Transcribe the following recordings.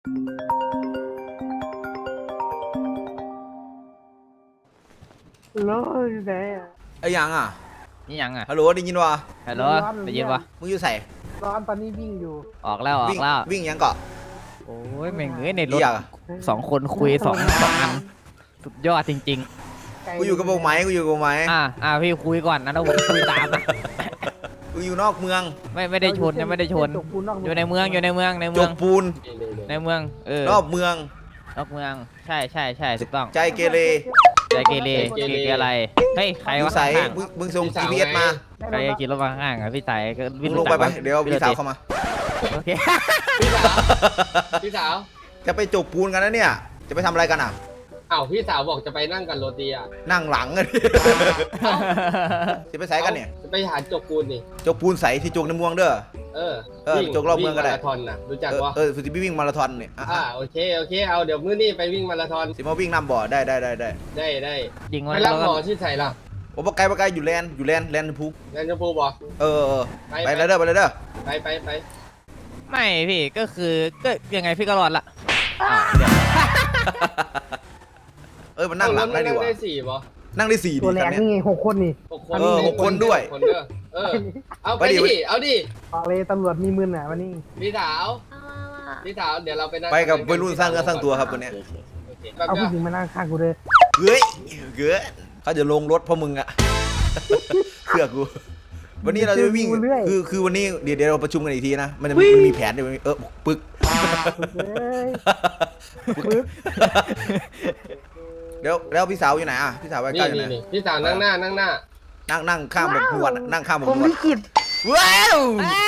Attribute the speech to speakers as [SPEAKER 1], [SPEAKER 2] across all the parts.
[SPEAKER 1] โลอยู่ไหนอ่ะ
[SPEAKER 2] ไอ้ยังอ่ะ
[SPEAKER 3] นี่ยังอ่ะ
[SPEAKER 2] ฮัลโหลได้ยินวะ
[SPEAKER 3] ฮัลโหลได้ยินปะ
[SPEAKER 2] มึงอยู่ใส่
[SPEAKER 1] ร้อนตอนนี้วิ่งอยู่
[SPEAKER 3] ออกแล้วออ
[SPEAKER 2] วิ่ง
[SPEAKER 3] กแล้ว
[SPEAKER 2] วิ่งยังเกาะ
[SPEAKER 3] โอ้ยแม่งเอ้ยในรถ
[SPEAKER 2] เรียกอะ
[SPEAKER 3] 2 คนคุยสองอันสุดยอดจริง
[SPEAKER 2] กูอยู่กับโบกไม้กูอยู่กับโบกไม้
[SPEAKER 3] ๆพี่คุยก่อนนะแล้วผมคุยตามนะ
[SPEAKER 2] กูอยู่นอกเมือง
[SPEAKER 3] ไม่ได้ชนยังไม่ได้ชน อยู่ในเมืองในเมือง
[SPEAKER 2] จกปูน
[SPEAKER 3] ในเมือง
[SPEAKER 2] รอบเมือง
[SPEAKER 3] นอกเมืองใช่ถูกต้อง
[SPEAKER 2] ใจเกเร
[SPEAKER 3] ใจเกเรอะไรเฮ้ยใคร
[SPEAKER 2] อยู่
[SPEAKER 3] วะ
[SPEAKER 2] ใส่
[SPEAKER 3] ข้าง
[SPEAKER 2] มึงส่ง GPS มา
[SPEAKER 3] ใครขี่รถมาข้างๆอ่ะพี่สายก็
[SPEAKER 2] มึงลงไปไปเดี๋ยวพี่สาวเข้ามา
[SPEAKER 3] โอเค
[SPEAKER 4] พี่สาว
[SPEAKER 2] จะไปจกปูนกันนะเนี่ย จะไปทำอะไรกันอ่ะ
[SPEAKER 4] อ้าวพี่สาวบอกจะไปนั่งกันโรตีอ่ะ
[SPEAKER 2] นั่งหลังกันจะไปใส่กันเนี่ย
[SPEAKER 4] จะไปหาจกปูนนี่
[SPEAKER 2] จกปูนใส่ที่จกในเมืองเด้อ
[SPEAKER 4] เออ
[SPEAKER 2] วิ่งจกรอบเมืองก็ได้
[SPEAKER 4] วิ่มาราธอนน่ะรู้จักวะ
[SPEAKER 2] สุดที่วิ่งมาราธอนเนี่ย
[SPEAKER 4] โอเคเอาเดี๋ยวมื้อนี้ไปวิ่งมาราธอน
[SPEAKER 2] สิมาวิ่งนำบ่อได้
[SPEAKER 4] ได้
[SPEAKER 3] ยิง
[SPEAKER 4] ไป
[SPEAKER 3] ไว้
[SPEAKER 4] รั
[SPEAKER 3] แล้
[SPEAKER 4] บ
[SPEAKER 3] ว
[SPEAKER 4] หม
[SPEAKER 3] ก็
[SPEAKER 4] อที่ใส่ล่ะ
[SPEAKER 2] โอ้ปะไกลอยู่แลนด์พุก
[SPEAKER 4] แลนด์ชมพูบอก
[SPEAKER 2] ไปเลยเด้อไปเลยเด้อ
[SPEAKER 4] ไป
[SPEAKER 3] ไม่พี่ก็คือก็ยังไงพี่ก็รอดละ
[SPEAKER 2] มันนั่งหลังได้ดีกว่า
[SPEAKER 4] ได้4บอ
[SPEAKER 2] นั่งได้4
[SPEAKER 1] ตัว
[SPEAKER 2] ดี
[SPEAKER 1] แร
[SPEAKER 2] กัน
[SPEAKER 1] ง
[SPEAKER 2] เนี่ย
[SPEAKER 1] นี่ไง6 คนนี่
[SPEAKER 4] 6 คน
[SPEAKER 2] 6 คนด้วย
[SPEAKER 4] คนเด้อเอาไปดิเอาดิ
[SPEAKER 1] ออกเลยตำรวจมีมือน่ะวันนี้
[SPEAKER 4] พี่สาวเดี๋ยวเราไปนั่ง
[SPEAKER 2] ไปกับวัยรุ่นสร้างเนื้อสร้างตัวครับตัวเนี้ย
[SPEAKER 1] เอาผู้หญิงมานั่งข้างกูเลย
[SPEAKER 2] เฮ้ยเขาจะลงรถเพราะมึงอะ เชื่อกู วันนี้เราจะวิ่งคือวันนี้เดี๋ยวเราประชุมกันอีกทีนะมันมีแผนเดี๋ยวปึก
[SPEAKER 1] เฮ้ยปึ๊บ
[SPEAKER 2] แล้วพี่สาวอยู่ไหนอ่ะพี่สาวไปใกล้อยู่ไหน
[SPEAKER 4] นี่พี่สาวนั่งหน้า
[SPEAKER 2] นั่งข้างแบบนวดนั่งข้างแบบ
[SPEAKER 1] ผม
[SPEAKER 2] นวด
[SPEAKER 1] ลิขิต
[SPEAKER 2] ว้าว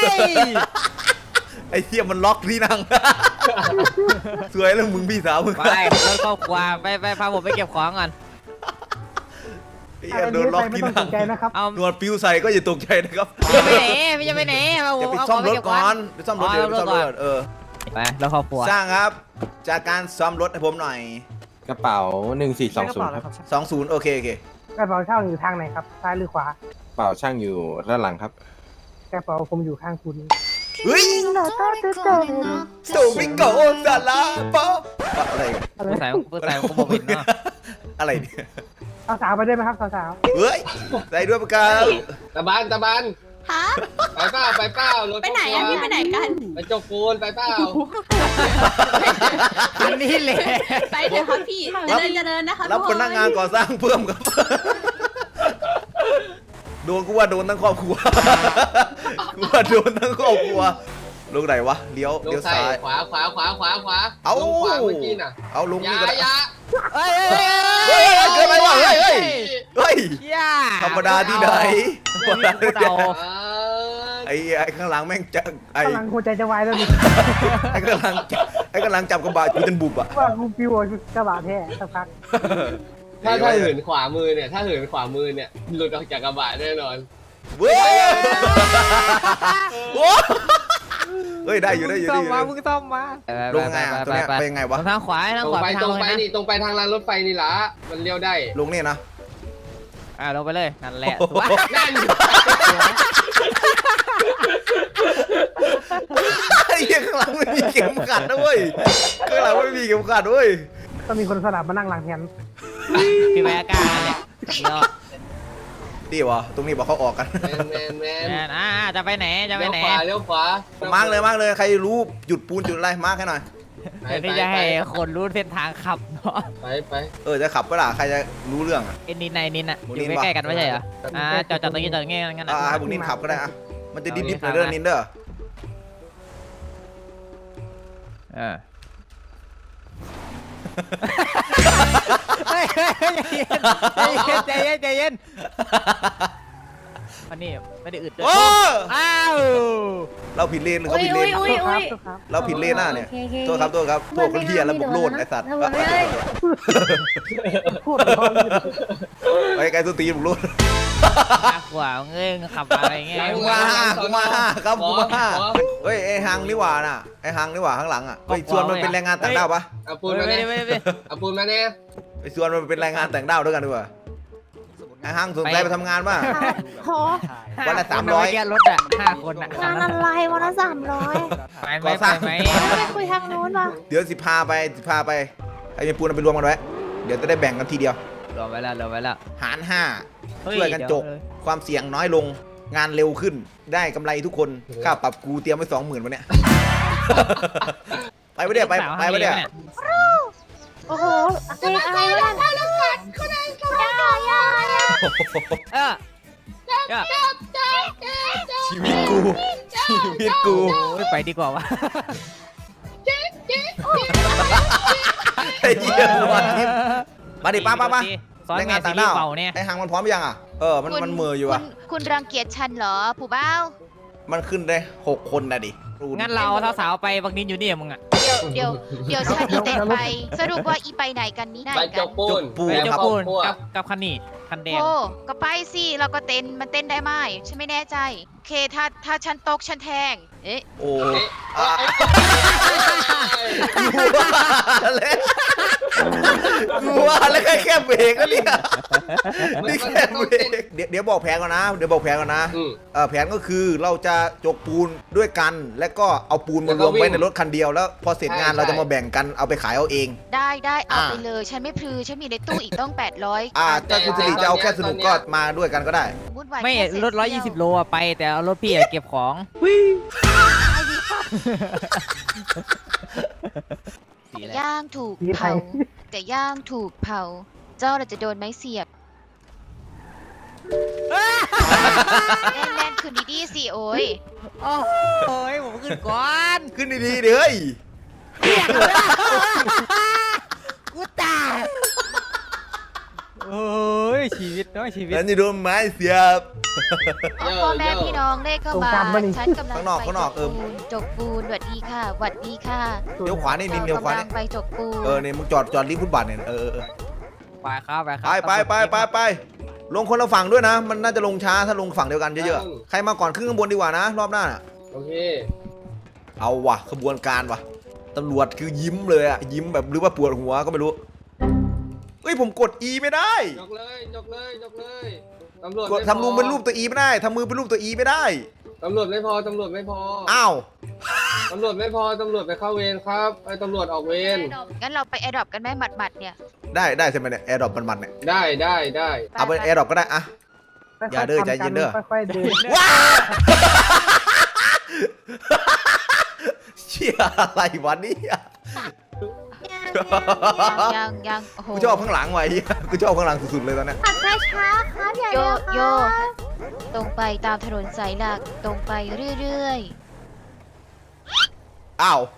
[SPEAKER 2] ไอ้เหี้ยมันล็อกที่นั่ง สวยแล้วมึงพี่สาวมึง
[SPEAKER 3] ไปรถครอบครัวไปพาผมไปเก็บของก่อน
[SPEAKER 2] ไอ้เหี้ยโดนล็อก
[SPEAKER 1] ไม่
[SPEAKER 2] ที่
[SPEAKER 1] ต้องต
[SPEAKER 2] นั่ง
[SPEAKER 1] กใจนะครับ
[SPEAKER 3] เอา
[SPEAKER 2] นวดปิวใส่ก็อย่าตกใจนะครับ
[SPEAKER 3] พี่จะไปไหนเอา
[SPEAKER 2] อย่าไปซ่อมรถก่อนไปซ่อมรถเดี๋ยวไปซ่อมรถ
[SPEAKER 3] ไปแล้วครอบครัว
[SPEAKER 2] สร้างครับจากการซ่อมรถให้ผมหน่อย
[SPEAKER 5] กระเป๋า1420ครับ
[SPEAKER 2] 20โอเค
[SPEAKER 1] กระเป๋าเช่าอยู่ทางไหนครับซ้ายหรือขวาก
[SPEAKER 5] ระเป๋าช่างอยู่ด้านหลังครับ
[SPEAKER 1] กระเป๋าผมอยู่ข้างคุณ
[SPEAKER 2] เฮ้ยโซบิโกซาลาปออะไร
[SPEAKER 3] ผู้ชายผมบอกผิดเนาะ
[SPEAKER 2] อะไรเนี่ย
[SPEAKER 1] สาวไปได้ไหมครับสาว
[SPEAKER 2] เฮ้ยใส่ด้วยประกัน
[SPEAKER 4] ตะบาน
[SPEAKER 6] ฮะ
[SPEAKER 4] ไปเปล่ารถ
[SPEAKER 6] ไปไหนอะพี่ไปไหนกัน
[SPEAKER 4] ไปจกปูนไปเปล่า
[SPEAKER 3] อันนี้เลย
[SPEAKER 6] ไปเถอะครับพี่เดินนะคะ
[SPEAKER 2] รับพนักงานก่อสร้างเพิ่มครับโดนกูว่าโดนทั้งครอบครัวกูว่าโดนทั้งครอบครัวลงไหนวะเลี้ยวซ้าย
[SPEAKER 4] ขวา
[SPEAKER 2] เอา
[SPEAKER 4] ลงขวาเมื่อกี้น่ะ
[SPEAKER 2] เอาลงนี่ก็ได้
[SPEAKER 4] ยา
[SPEAKER 3] เฮ้ย
[SPEAKER 2] เกินไปว่ะเฮ้ย
[SPEAKER 3] ย่า
[SPEAKER 2] ธรรมดาที่ไหน
[SPEAKER 3] เดา
[SPEAKER 2] ไอ้ข้างหลังแม่งจะไอ้
[SPEAKER 1] กำลังหัวใจจะวายแล้วนี่
[SPEAKER 2] ไอ้กำลังจับกระบะกูจนบุบอ่ะ
[SPEAKER 1] ว่ากูปิวกระบะแท้สักพัก
[SPEAKER 4] ถ้าเหินขวามือเนี่ยหลุดออกจากกระบะแน่นอน
[SPEAKER 2] เว้ยเฮ้ยได้อยู่
[SPEAKER 3] ซ่อมมามึงซ่อมมา
[SPEAKER 2] ลงไงตัวเนี้ยไปยังไงวะ
[SPEAKER 3] ทางขวาทาง
[SPEAKER 4] ตร
[SPEAKER 3] ขวา
[SPEAKER 4] งไป
[SPEAKER 3] ทางเลยนะ
[SPEAKER 4] นี่ตรงไปทางรางรถไฟนี่ละมันเลี้ยวได้
[SPEAKER 2] ลงนี่นะ
[SPEAKER 3] ลงไปเลยนั่นแหละ
[SPEAKER 4] นั่น
[SPEAKER 2] ไอ้เหี้ยข้างหลังไม่มีเข็มขัดนะเว้ยข้างหลังไม่มีเข็มขัดเว้ย
[SPEAKER 1] ต้องมีคนสลับมานั่งหลังแทน
[SPEAKER 3] พี่แม่กล้าแหละเดี๋ยว
[SPEAKER 2] ดีวะตรงนี้บอกเขาออกกัน
[SPEAKER 4] แมน
[SPEAKER 3] จะไปไหนจะไปไหน
[SPEAKER 4] เลี้ยวขวา
[SPEAKER 2] มาร์กเลยใครรู้จุดปูนจุดอะไรมาร์กให้หน่อย
[SPEAKER 3] พี่จะให้คนรู้เส้นทางขับเนาะ
[SPEAKER 4] ไป
[SPEAKER 2] จะขับก็ล่ะใครจะรู้เรื่องอ่ะ
[SPEAKER 3] นินอ่ะอยู่ใกล้ๆกันไม่ใช่เหรอจอดตรงนี้งั้น
[SPEAKER 2] ให้บุกนินขับก็ได้อะมันจะดิบๆหน่อยเด้อนินเด้อ
[SPEAKER 3] ใจเย็นอันนี้ไม่ได้อึดเลย
[SPEAKER 2] โอ้
[SPEAKER 3] อ้าว
[SPEAKER 2] เราผิดเลนหรือเขาผิดเลน เราผิดเลนหน้าเนี่ยโทษครับพวกคนเฮียแล้วบุกโลดไอ้สัตว์
[SPEAKER 1] พูดร้อนเลย
[SPEAKER 2] ไปไกลตัวตีบุกโลด
[SPEAKER 3] ขวาเงยขับอะไรเงี้ย
[SPEAKER 2] กูมาครับกูมาเฮ้ยไอ้ฮังนี่หว่าน่ะไอ้ฮังนี่หว่าข้างหลังอ่ะไอ้ส่วนมันเป็นแรงงานต่างด้าวปะ
[SPEAKER 4] เอาปูนมาเนี่ยเอาปูนมาเนี่ย
[SPEAKER 2] ไอ้ส่วนมันเป็นแรงงานต่างด้าวด้วยกันดีกว่าไอ้ฮังสนใจไปทำงานป่ะ
[SPEAKER 6] ขอ
[SPEAKER 2] วันละ
[SPEAKER 3] คน
[SPEAKER 2] 300
[SPEAKER 3] แกรถอ่ะ5 คนอ่ะ
[SPEAKER 7] งานอะไรวันละ300
[SPEAKER 3] ไปไหม
[SPEAKER 2] ก่อ
[SPEAKER 3] ไป
[SPEAKER 2] สร้าง
[SPEAKER 3] ไหม
[SPEAKER 7] ไปคุยทางนู้นป่ะ
[SPEAKER 2] เดี๋ยวสิพาไปไอ้เมียปูนเอาไปรวมกันไว้เดี๋ยวจะได้แบ่งกันทีเดียว
[SPEAKER 3] รอไว้แล้วรอไว้แล้ว
[SPEAKER 2] หาร
[SPEAKER 3] เฮ้
[SPEAKER 2] 5ช่วยกันจก ความเสี่ยงน้อยลงงานเร็วขึ้นได้กำไรทุกคนค่าปรับกูเตรียมไว้ 20,000วันเนี้ย ไปไปเดี๋ยวไปไปเดี๋ยว
[SPEAKER 7] โอ้โหเพลงอะไรวะ
[SPEAKER 3] เออ
[SPEAKER 2] ชีวิตกูชีวิตกู
[SPEAKER 3] โอ้ยไปดีกว่าวะ
[SPEAKER 2] ไอ้เหี้ยวันนี้มาดิป้า
[SPEAKER 3] ซ้อน
[SPEAKER 2] แรง
[SPEAKER 3] แม
[SPEAKER 2] งาน
[SPEAKER 3] น
[SPEAKER 2] ต่า
[SPEAKER 3] ซี
[SPEAKER 2] ง
[SPEAKER 3] รี
[SPEAKER 2] ด้าว
[SPEAKER 3] ส์เป่าเนี่ย
[SPEAKER 2] ไอ้หางมันพร้อมยังอ่ะมันเหม่ออยู่อ่ะ
[SPEAKER 6] คุณรังเกียจฉันเหรอผู้บ้าว
[SPEAKER 2] มันขึ้นได้6 คนนะดิ
[SPEAKER 3] งั้นเราสาวๆไปบักนินอยู่นี่มึงอ่ะ
[SPEAKER 6] เดี๋ยวฉันอีเต็นไป สรุปว่าอีไปไหนกันนี่ไหน
[SPEAKER 4] ไป
[SPEAKER 6] กั
[SPEAKER 4] จ
[SPEAKER 6] น
[SPEAKER 4] กปูน
[SPEAKER 3] ไปเจ้า
[SPEAKER 4] แล้ว
[SPEAKER 3] ปูน
[SPEAKER 4] พวก
[SPEAKER 3] กับคันนี้คันแดง
[SPEAKER 6] โอ้ก็ไปสิเราก็เต้นมันเต้นได้ไหมฉันไม่แน่ใจโอเคถ้าฉันตกฉันแทงเอ๊ะ
[SPEAKER 2] โอ้
[SPEAKER 4] เอ๊ะ
[SPEAKER 2] อ่ะกูว่าแล้วแค่เบรกแล้วเนี่ยนี่แค่เบรกเดี๋ยวบอกแผนก่อนนะ
[SPEAKER 4] อืม
[SPEAKER 2] แผนก็คือเราจะจกปูนด้วยกัน แล้วก็เอาปูนมารวมไว้ในรถคันเดียวแล้วพอเสร็จงานเราจะมาแบ่งกันเอาไปขายเอาเอง
[SPEAKER 6] ได้เอา
[SPEAKER 2] อ่า
[SPEAKER 6] ไปเลยฉันไม่พลือฉันมีในตู้อีกต้อง800
[SPEAKER 2] ถ้าคุณสิริจะเอาแค่สนุกก็มาด้วยกันก็ได้
[SPEAKER 6] วุ่นวาย
[SPEAKER 3] ไม่
[SPEAKER 6] แค่เศษ
[SPEAKER 3] รถ
[SPEAKER 6] เสี้ยว
[SPEAKER 3] 120 โลอะไปแต่เอารถพี่อะเก็บของ สีอะไร
[SPEAKER 6] ย่างถูก
[SPEAKER 1] สีไท
[SPEAKER 6] เผาย แต่ย่างถูกเผา เจ้าเราจะโดนไม้เสียบแน่นๆคืนดีๆสิโอ้ย
[SPEAKER 3] โอ้ยผมขึ้นก่อน
[SPEAKER 2] ขึ้นดีๆเด้ย
[SPEAKER 3] กูตายโอ้ยชีวิตน้อยชีวิต
[SPEAKER 2] แล้วจะโดนไม้เสียบ
[SPEAKER 6] พ่อแม่พี่น้องเลขเข้ามา
[SPEAKER 1] ตรงกลางปะนี่
[SPEAKER 6] ฉันกำลัง
[SPEAKER 2] ข้างนอก
[SPEAKER 6] ไป
[SPEAKER 2] ข้างนอก
[SPEAKER 6] จกปูนหวัดดีค่ะหวัดดีค่ะ
[SPEAKER 2] เดี๋ยวขวานี่นินเดี๋ยวขวา
[SPEAKER 6] กำลั
[SPEAKER 2] นี่
[SPEAKER 6] งไปจกปูน
[SPEAKER 2] เนี่ยมึงจอดริมฟุตบาทเนี่ย
[SPEAKER 3] ไปครับไปครั
[SPEAKER 2] ไปลงคนละฝั่งด้วยนะ มันน่าจะลงช้าถ้าลงฝั่งเดียวกันเยอะๆใครมาก่อนขึ้นข้างบนดีกว่านะรอบหน้าน่ะ
[SPEAKER 4] โอเค
[SPEAKER 2] เอาว่ะขบวนการว่ะตำรวจคือยิ้มเลยอะยิ้มแบบหรือว่าปวดหัวก็ไม่รู้เฮ้ยผมกด E ไม่ได้
[SPEAKER 4] ยกเลยตำรวจ
[SPEAKER 2] กดทำรูปเป็นรูปตัว E ไม่ได้ทำมือเป็นรูปตัว E ไม่ได้
[SPEAKER 4] ตำรวจไม่พอ
[SPEAKER 2] อ้าว
[SPEAKER 4] ตำรวจไม่พอตำรวจไปเข้าเวรครับไอ้ตำรวจออกเวร
[SPEAKER 6] งั้นเราไปแอร์ดรอปกันไหมหมัดๆเนี่ย
[SPEAKER 2] ได้ใช่ไหมเนี่ยแอร์ดรอปมันๆเนี่ย
[SPEAKER 4] ได้
[SPEAKER 2] เอาเป็นแอร์ดรอปก็ได้อะ อย่าเด้อใจเย็นเด้อ
[SPEAKER 1] ค่อยๆเดิน
[SPEAKER 2] ว้าเชี่ยอะไรวะเนี่ย
[SPEAKER 6] ยังโอ้โห
[SPEAKER 2] กูชอบข้างหลังไว้กูชอบข้างหลังสุดๆเลยตอนเนี้ย
[SPEAKER 7] ขับช้าๆครับอย่า
[SPEAKER 6] โย
[SPEAKER 7] เร็ว
[SPEAKER 6] โย
[SPEAKER 7] ครับ
[SPEAKER 6] ตรงไปตามถนนสายหลักตรงไปเรื่อย
[SPEAKER 2] อ้าว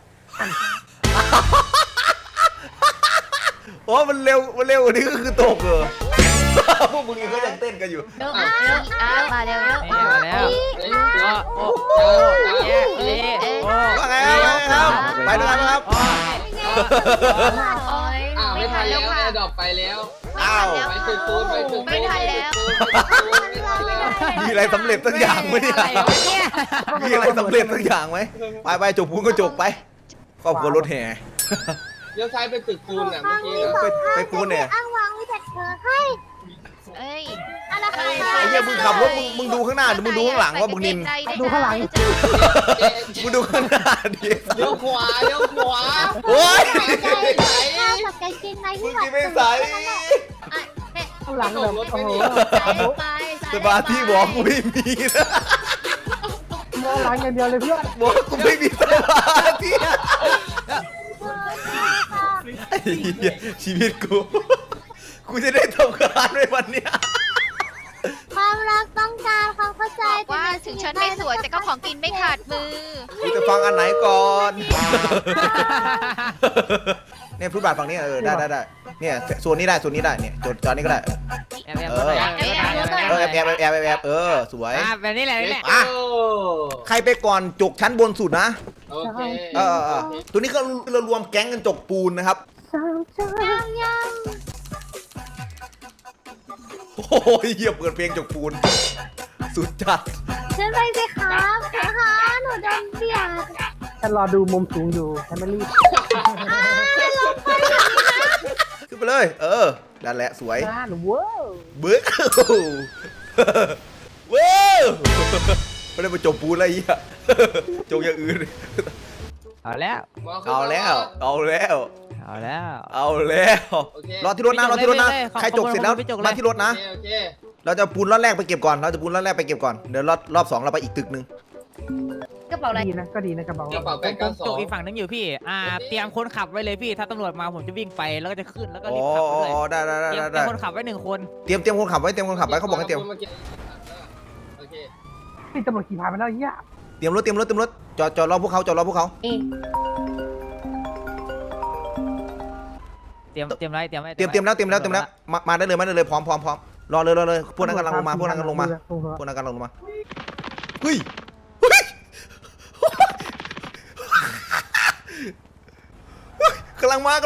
[SPEAKER 2] โอ้มันเร็วกว่านี้ก็คือตกเหรอพวกมึงนี่ก็ยังเต้นกันอยู่
[SPEAKER 6] ๆเริ่มมาแล้ว
[SPEAKER 3] นี่มาแล้ว โอ้แย่เละโอ้
[SPEAKER 2] ว่าไงครับไปด้วยกันครับ
[SPEAKER 6] โอ้ย
[SPEAKER 4] อ้าว
[SPEAKER 6] ไม่
[SPEAKER 4] ไม่
[SPEAKER 6] ทั
[SPEAKER 4] ทั
[SPEAKER 6] น
[SPEAKER 4] น
[SPEAKER 6] แล้
[SPEAKER 4] แล้ว ว
[SPEAKER 6] ค่ะ
[SPEAKER 4] แอร์ดรอปไปแล้ว
[SPEAKER 2] อ้าว
[SPEAKER 4] ไปตึกปูน
[SPEAKER 6] ไม่ทันแล้ว
[SPEAKER 2] มีอะไรสำเร็จสักอย่างไหมเนี่ย
[SPEAKER 3] อะไรวะเนี่ย
[SPEAKER 2] มีอะไรสำเร็จสักอย่างไหมไปจกปูนก็จกไปครอบครัวรถแห่
[SPEAKER 4] เลี้ยวซ้ายไปตึกปูนอ่ะเมื่อกี้นะ
[SPEAKER 2] ไปปูนเนี่ย
[SPEAKER 7] อ้างวางวิจัดเธอให้
[SPEAKER 6] เอ้ย
[SPEAKER 7] อะไรคะ
[SPEAKER 2] ไอ้เหี้ยมึงขับรถมึงดูข้างหน้าหรือมึงดูข้างหลังว่ามึงนิน
[SPEAKER 1] ดูข้างหลัง
[SPEAKER 2] มึงดูข้างหน้าดิ
[SPEAKER 4] เลี้ยวขวา
[SPEAKER 2] โอ๊ย
[SPEAKER 7] ข้าวกับกางเกงใน
[SPEAKER 2] มึ
[SPEAKER 7] ที่
[SPEAKER 2] ง
[SPEAKER 7] เรา
[SPEAKER 2] กินไม่ใส่
[SPEAKER 1] ข้างหลังแบบโอ้โห
[SPEAKER 2] สบายที่บอกกูไม่มีนะ
[SPEAKER 1] มองหลังอย่างเดียวเลยเพื่อน
[SPEAKER 2] บอกกูไม่มีสมาธิไอ้เหี้ยชีวิตกูจะได้ทำงานในวันเนี้ย
[SPEAKER 7] ความรักต้องการความเข้าใจ
[SPEAKER 6] บอกว่าถึงฉันไม่สวยแต่ก็ของกินไม่ขาดมือ
[SPEAKER 2] กูจะฟังอันไหนก่อนเนี่ยฟุตบาทฝั่งนี้ได้เนี่ยโซนนี้ได้เนี่ยจอดนี่ก็ได้
[SPEAKER 3] แอบตัวไหน
[SPEAKER 2] แอบสวย
[SPEAKER 3] แบบนี้แหละนี่แหละ
[SPEAKER 2] อ่ะ ใครไปก่อนจกชั้นบนสุดนะ
[SPEAKER 4] โอเค
[SPEAKER 2] ตัวนี้ก็เรารวมแก๊งกันจกปูนนะครับ
[SPEAKER 7] ยัง
[SPEAKER 2] โอ้ยเหี้ยเปิดเพลงจกปูน สุดจัด
[SPEAKER 7] ฉันไปสิครับนะคะหนูโดนเบียด
[SPEAKER 1] ฉันรอดูมุมสูงอยู่ฉันไม่รีบ
[SPEAKER 2] ขึ้นไปเลย นั่นแหละสวย
[SPEAKER 1] งานเว้าว
[SPEAKER 2] บึ้กเว้ยไม่ได้ไปจบปูนอะไรเหี้ยจบอย่างอื่น
[SPEAKER 3] เอาแล้ว
[SPEAKER 4] หมอขึ้น
[SPEAKER 2] เอา
[SPEAKER 4] มา
[SPEAKER 2] แล้ว เอาแล้ว
[SPEAKER 3] เอาแล้ว
[SPEAKER 2] เอาแล้ว
[SPEAKER 4] โอเค
[SPEAKER 2] รอที่รถนะรอที่รถนะ
[SPEAKER 3] ไปเลย
[SPEAKER 2] ใครจกเสร็จแล้ว
[SPEAKER 3] ไปจกเลย
[SPEAKER 2] มาที่รถนะ
[SPEAKER 4] โอเค
[SPEAKER 2] เราจะปูนรอบแรกไปเก็บก่อนเราจะปูนรอบแรกไปเก็บก่อนเดี๋ยวรอบสองเราไปอีกตึกหนึ่ง
[SPEAKER 7] กระเป๋าอะไร
[SPEAKER 1] ดีนะก็ดีนะกระเป๋าก
[SPEAKER 4] ระเป๋า
[SPEAKER 3] ผมจก
[SPEAKER 4] 892
[SPEAKER 3] อีกฝั่งนึงอยู่พี่เตรียมคนขับไว้เลยพี่ถ้าตำรวจมาผมจะวิ่งไปแล้วก็จะขึ้นแล้วก็
[SPEAKER 2] อ๋
[SPEAKER 3] รีบขับไปเลย
[SPEAKER 2] อได้ได้
[SPEAKER 3] เตรียม
[SPEAKER 2] ได้
[SPEAKER 3] คนขับไว้1 คน
[SPEAKER 2] เตรียมคนขับไว้เตรียมคนขับไว้เขาบอกให้เตรียม
[SPEAKER 4] โอเค
[SPEAKER 1] นี่ตำรวจขี่ผ่านไปแล้วไอ้เหี้ย
[SPEAKER 2] เตรียมรถจอดรอพวกเขาจอดรอพวกเขา
[SPEAKER 3] เตรียมไรเตรียมไว้
[SPEAKER 2] เตรียมแล้วมาได้เลยพร้อมรอเลยพวกนั้นกำลังลงมาพวกนั้นกำลังลงมาเฮ้ยกำลังมา
[SPEAKER 1] มา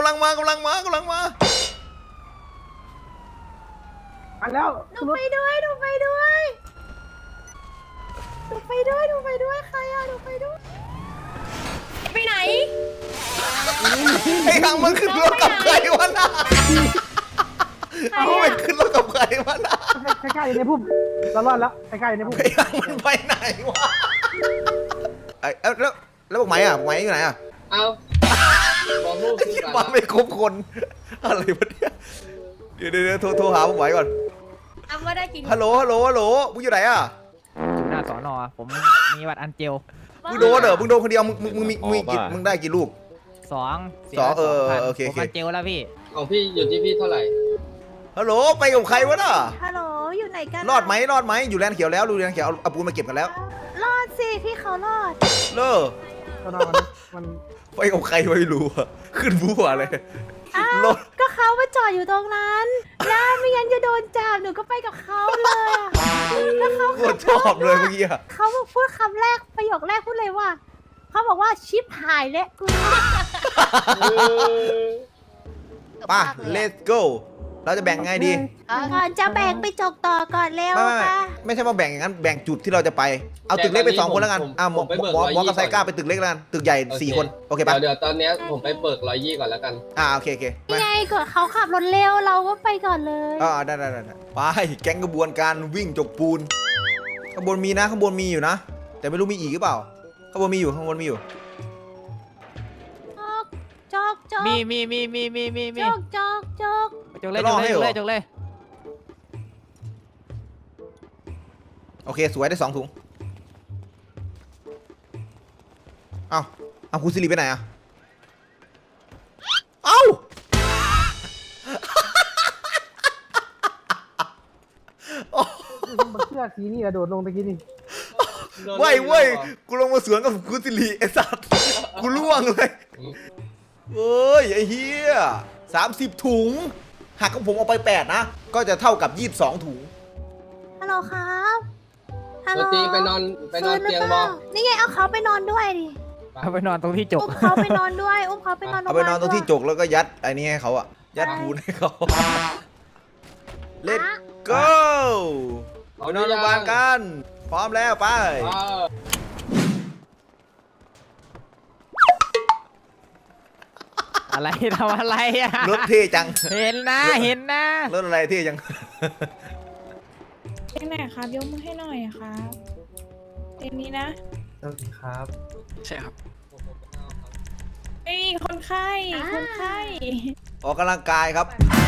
[SPEAKER 1] แล้ว
[SPEAKER 7] หนูไปด้วยหนูไปด้วยหนูไปด้วยหนูไปด้วยใครอะหนูไปด้วยไปไหน
[SPEAKER 2] ไอ้ทางมันขึ้นรถกับใครวะน่ะเอาไปขึ้นรถกับใครวะน่ะ
[SPEAKER 1] ใกล้ๆอยู่ในพุ่มเรารอดแล้วใกล้ๆอยู่ในพุ่ม
[SPEAKER 2] ไอ้ทางมันไปไหนวะไอ้แล้วบอกไหมอยู่ไหนอ่ะ
[SPEAKER 4] เอาหมอพูด
[SPEAKER 2] ไอ้
[SPEAKER 4] ขึ้น
[SPEAKER 2] ที่
[SPEAKER 4] ก่อน
[SPEAKER 2] มาไม่ครบคนอะไรวะเนี่ยเดี๋ยวโทรหาบอกไหมก่อน
[SPEAKER 7] อ้ำว่าได้กิน
[SPEAKER 2] ฮัลโหลมึงอยู่ไหนอ่ะ
[SPEAKER 3] หน้าสอนอผมมีบัตรอันเจล
[SPEAKER 2] มึงโดนเหรอมึงโดนคนเดียวมึงมีกี่มึงได้กี่ลูก
[SPEAKER 3] สอง
[SPEAKER 2] โอเค
[SPEAKER 3] ผมอันเจลแล้วพี่
[SPEAKER 4] ของพี่อยู่ที่พี่เท่าไหร่
[SPEAKER 2] ฮัลโหลไปกับใครวะน่ะ
[SPEAKER 7] ฮัลโหลอยู่ไหนกัน
[SPEAKER 2] รอดไหมอยู่แลนด์เขียวแล้วดูแลนด์เขียวเอาปูนมาเก็บกันแล้ว
[SPEAKER 7] รอดสิพี่เขารอด
[SPEAKER 2] เลิก
[SPEAKER 1] ก็นอนมัน
[SPEAKER 2] ไปกับใครไม่รู้อะขึ้นบัวเลย
[SPEAKER 7] อ้าว
[SPEAKER 2] รถ
[SPEAKER 7] ก็เขามาจอดอยู่ตรงนั้นแล้วไม่งั้นจะโดนจับหนูก็ไปกับเขาเลยอะแล้วเขา
[SPEAKER 2] โคตรชอบเลยเมื่อกี้อะ
[SPEAKER 7] เขาพูดคำแรกประโยคแรกพูดเลยว่าเขาบอกว่าชิปหายแล้วกู
[SPEAKER 2] ป่ะ let's go เราจะแบ่งไงดี
[SPEAKER 7] ก่อนจะแบ่งไปจกต่อก่อนเร็วค่ะ
[SPEAKER 2] ไม่ใช่ว่าแบ่งอย่างนั้นแบ่งจุดที่เราจะไปเอาตึกเล็กไป2 คนแล้วกันหมอกับไซก้าไปตึกเล็กแล้วกันตึกใหญ่4 คนโอเคป่ะ
[SPEAKER 4] เดี๋ยวตอนเนี้ยผมไปเปิด120ก่อนแล้วกัน
[SPEAKER 2] โอเค
[SPEAKER 7] นี่ไงก่อนเขาขับรถเร็วเราก็ไปก่อนเลย
[SPEAKER 2] ได้ไปแก๊งกระบวนการวิ่งจกปูนข้างบนมีนะข้างบนมีอยู่นะแต่ไม่รู้มีอีกหรือเปล่าข้างบนมีอยู่
[SPEAKER 7] จกจก
[SPEAKER 3] มี
[SPEAKER 7] จกจกจก
[SPEAKER 3] จกเลย
[SPEAKER 2] โอเคสวยได้2 ถุงเอาคุณสิริไปไหนอะเอ้า
[SPEAKER 1] มันเสื้อสีนี่กระโดดลงตะกี้นี่
[SPEAKER 2] เว้ยกูลงมาสวนกับคุณสิริไอ้สัตว์กูล่วงเลยเอ้ยไอ้เหี้ย30 ถุงหักของผมเอาไป8นะก็จะเท่ากับ22 ถุง
[SPEAKER 7] ฮัลโหลครับฮัลโหล
[SPEAKER 4] ตัวตีไปนอนเตียงบอ
[SPEAKER 7] นี่ไงเอาเขาไปนอนด้วยดิ
[SPEAKER 3] เอาไปนอนตรงที่จก
[SPEAKER 7] อุ้มเขาไปนอนด้วยอุ้มเขาไปนอน
[SPEAKER 2] เอาไปนอนตรงที่จกแล้วก็ยัดไอ้นี่ให้เขาอะยัดปูนให้เขา Let's go ไปนอนโรงพยาบาลกันพร้อมแล้วไป
[SPEAKER 3] อะไรทำอะไรอ่ะ
[SPEAKER 2] รถเท่จัง
[SPEAKER 3] เห็นนะ
[SPEAKER 2] รถอะไรเท่จัง
[SPEAKER 8] เตียงไหนครับยกมือให้หน่อยครับเตียงนี้นะ
[SPEAKER 5] ครับ
[SPEAKER 8] เอ้ยคนไข้คนไข้
[SPEAKER 2] ออกกำลังกายครับ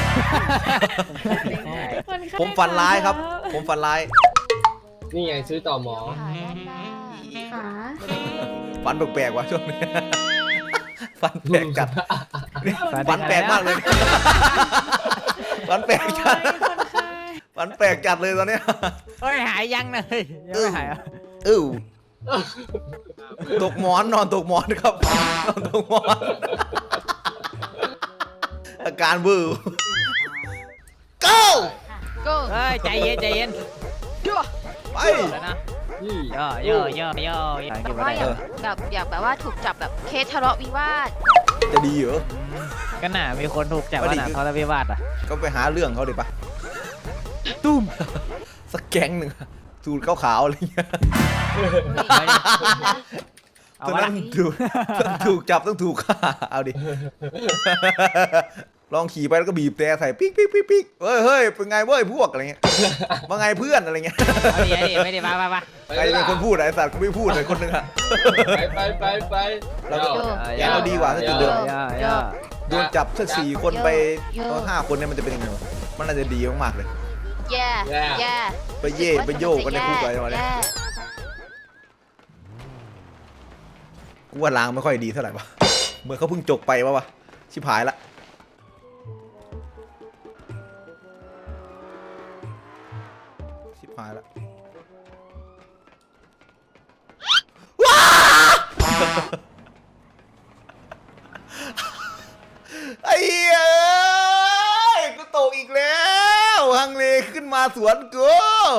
[SPEAKER 8] คนไข้
[SPEAKER 2] ผมฝันร้ายครับ ผมฝันร้าย
[SPEAKER 4] นี่ไงซื้อต่อหมอ
[SPEAKER 7] ขา
[SPEAKER 2] ฝันแปลกๆว่ะช่วงนี้ ฝันแปลกจัดฝันแปลกมากเลย ฝันแปลกจัด
[SPEAKER 8] คนไข้
[SPEAKER 2] ฝันแปลกจัดเลยตอนเนี้ย
[SPEAKER 3] เฮ้ยหายยังเลยยังไม่หายอ่ะ
[SPEAKER 2] ตกหมอนนอนตกหมอนครับนอนตกหมอน อาการบื้อ go
[SPEAKER 3] เฮ้ยใจเย็น
[SPEAKER 2] ไป
[SPEAKER 3] แล้วนะ
[SPEAKER 4] นี่
[SPEAKER 3] ย่อ
[SPEAKER 6] แต่ว่าอยากแบบว่าถูกจับแบบเคสทะเลาะวิวาท
[SPEAKER 2] จะดีเหรอ
[SPEAKER 3] ก็น่ามีคนถูกจับว่าน่ะทรวิวาทอ่ะ
[SPEAKER 2] ก็ไปหาเรื่องเขาดิปะ
[SPEAKER 3] ตุ้ม
[SPEAKER 2] สักแก๊งหนึ่งสูตรขาวๆอะไรเงี้ย
[SPEAKER 3] เอา
[SPEAKER 2] ตอน
[SPEAKER 3] วะ
[SPEAKER 2] นั้
[SPEAKER 3] ล่ะ
[SPEAKER 2] นถูกจับต้องถูกฆ่าเอาดิลองขี่ไปแล้วก็บีบแต่ใส่ปิ๊กปิ๊กปิ๊กปิ๊กเฮ้ยเป็นไงเว้ยพวกอะไรเงี้ยว่าไงเพื่อนอะไรเงี้ย
[SPEAKER 3] เอาดิไม่ได้มา
[SPEAKER 2] ใครเป็นคนพูดไอ้สัตว์กูไม่พูดเลยคนหนึงอะ
[SPEAKER 4] ไป
[SPEAKER 2] เราก็แกเราดีกว่าถ้าจุดเดิม
[SPEAKER 3] ย่า
[SPEAKER 2] โดนจับสัก4 คนไปต้อง5 คนเนี่ยมันจะเป็นยังไงวะมันน่าจะดีมากๆเลย
[SPEAKER 6] แย่แย่
[SPEAKER 2] ไปเย่ไปโยกกันในคุกอะไรมาเนี่ย
[SPEAKER 6] แย่
[SPEAKER 2] กูว่าล้างไม่ค่อยดีเท่าไหร่วะเหมือนเขาเพิ่งจกไปวะชิบหายละชิบหายละว้าไอ้เหี้ยกูตกอีกแล้วฮังเลขึ้นมาสวนกู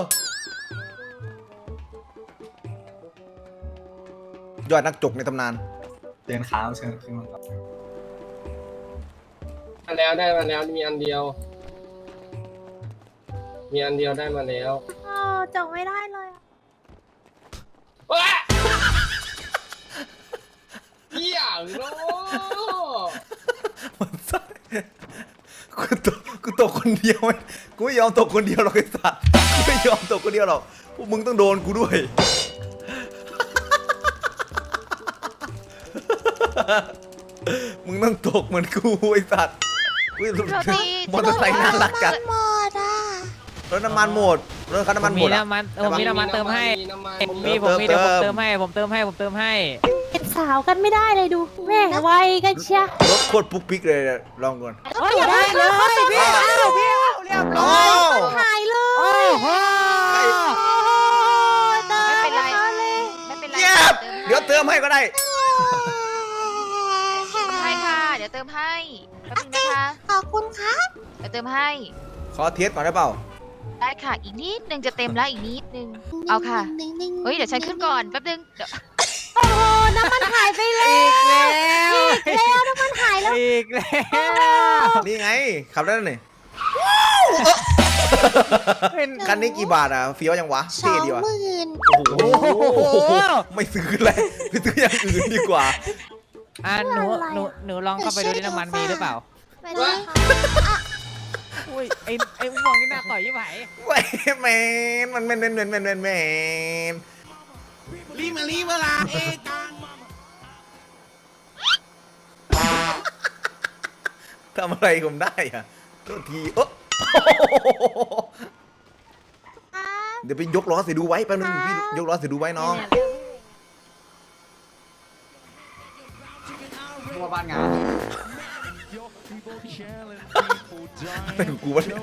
[SPEAKER 2] ยอดนักจกในตำนาน
[SPEAKER 9] เดินค้างเชิญขึ้นมาครับ
[SPEAKER 4] มาแล้วได้มาแล้วมีอันเดียว ได้มาแล้ว
[SPEAKER 7] อ๋อจบไม่ได้เลยอะ
[SPEAKER 4] ว้าเหี้ยโง่
[SPEAKER 2] มันไส้กูตกคนเดียวไหมกูไม่ยอมตกคนเดียวหรอกไอ้สัตว์กูไม่ยอมตกคนเดียวหรอกพวกมึงต้องโดนกูด้วย มึงต้องตกเหมือนกูไอ้สัตว์อุ๊ย
[SPEAKER 6] โรตี
[SPEAKER 2] มอเตอร์ไซค์น่ารักจัด
[SPEAKER 6] หมดอ่ะ
[SPEAKER 2] รถน้ำมันหมดรถคันน้ำมันหม
[SPEAKER 3] มี
[SPEAKER 2] ดอะ
[SPEAKER 3] น้ำมันเติมให้ ผมมี
[SPEAKER 2] เติม
[SPEAKER 3] เดี๋ยวผมเติมให้
[SPEAKER 7] เป็นสาวกันไม่ได้เลยดูแม่ไวกันเชีย
[SPEAKER 2] รถโคตรปุ๊กปิ๊กเลยลองก่อน
[SPEAKER 7] โอ้ยได้เลยพี่เอาเรียบร้อยหายเลย
[SPEAKER 6] ไม่เป็นไรไม่เป็นไร
[SPEAKER 2] เย็บเดี๋ยวเติมให้ก็ได้
[SPEAKER 6] ให้ค่ะเดี๋ยวเติมให้แป๊บนึงนะคะขอบคุณครับเดี๋ยวเติมให้
[SPEAKER 2] ขอเทสก่อนได้เปล่า
[SPEAKER 6] ได้ค่ะอีกนิดนึงจะเต็มแล้วอีกนิดนึงเอาค่ะเฮ้ยเดี๋ยวฉันขึ้นก่อนแป๊บนึงเดี๋ยว
[SPEAKER 7] โอ้น้ำมันหายไปแล้ว แล้วน้ำมันหายแล้ว
[SPEAKER 3] อีกแล้ว
[SPEAKER 2] นี่ไงขับได้แล้วนี่คันนี้กี่บาทอ่ะเฟี้ยวยังวะเท่ดีวะโอ้โหไม่ซื้อเลยไปซื้ออย่างอื่นดีกว่า
[SPEAKER 3] หนูลองเข้าไปดูที่น้ำมันมีหรือเปล่า
[SPEAKER 7] ไปเลยค่ะ
[SPEAKER 3] อุ้ยไอ้ม่วงนี่น่าต่อยยี่ไหม
[SPEAKER 2] เว้ยแมนมันแมนรีมาลาเอกังทำอะไรผมได้อ่ะโทษทีเดี๋ยวไปยกล้อเสียดูไว้แป๊บนึงพี่ยกล้อเสียดูไว้น้อง
[SPEAKER 9] ทั่วบ้านงาน
[SPEAKER 2] อะไรของกูวะเนี่ย